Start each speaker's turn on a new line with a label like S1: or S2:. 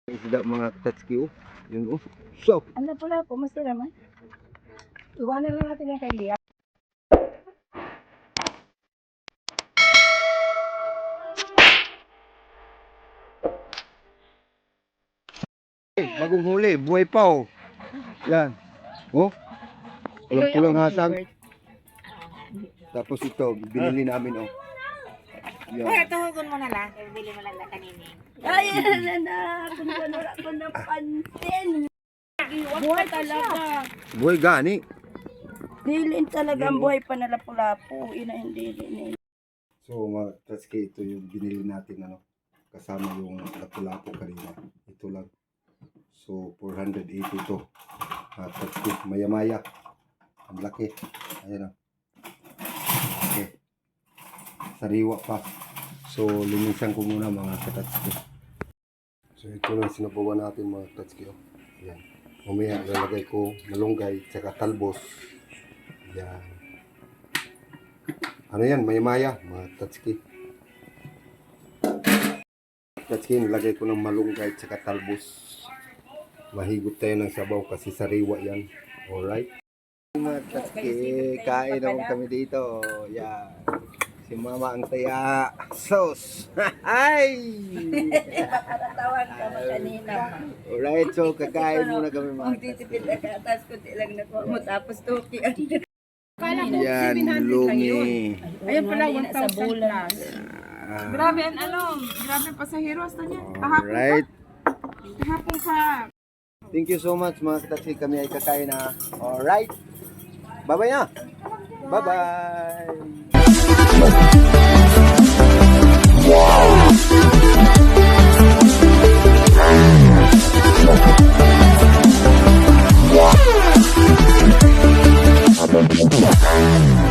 S1: Isda mga tatski oh. Yun oh. So,
S2: Ano pala po, masira man. Iwanan lang natin yung kay Lia.
S1: bagong huli, buhay pa oh. Yan. Oh. Pulang-pulang hatag. Tapos ito, binili namin oh.
S2: Ay,
S1: Yan.
S2: tuhugon mo na lang. Bili mo lang na kanini. Ay, na. Kung wala ko napansin. Buhay talaga.
S1: Buhay gani.
S2: Dilin talaga ang buhay pa na lapu-lapu. Ina hindi din.
S1: So mga tatski, ito yung binili natin ano. Kasama yung lapu-lapu kanina. Ito lang. So 480 to. Tatski, maya-maya. Ang laki. Ayan oh. Okay. Sariwa pa. So linisan ko muna mga katatski. So ito na sinabawan natin mga katatski. Oh. Yan. Mamaya lalagay ko malunggay tsaka talbos. Yan. Ano yan? Maya-maya mga katatski. Katatski, nilagay ko ng malunggay tsaka talbos. Mahigop tayo ng sabaw kasi sariwa yan. Alright. Mga katatski, kain naman kami dito. Yan. Si Mama ang taya. Sauce. Ay!
S2: Tawag ka mo kanina.
S1: Alright, so kakain muna kami mga
S2: Magtitipid ka. Tapos kunti lang na po mo. Tapos tuki.
S3: Kala ko
S1: yan,
S3: 700 lang yun.
S1: lumi.
S3: Ayun pala, 1,000
S2: sa bulan.
S3: plus.
S1: Ah,
S3: Grabe, grabe ang pasaheros na niya. Kahapon
S1: alright.
S3: pa. Kahapon pa.
S1: Thank you so much mga kataksi. Kami ay kakain na. Alright. Bye-bye na. Bye-bye.
S4: Wow.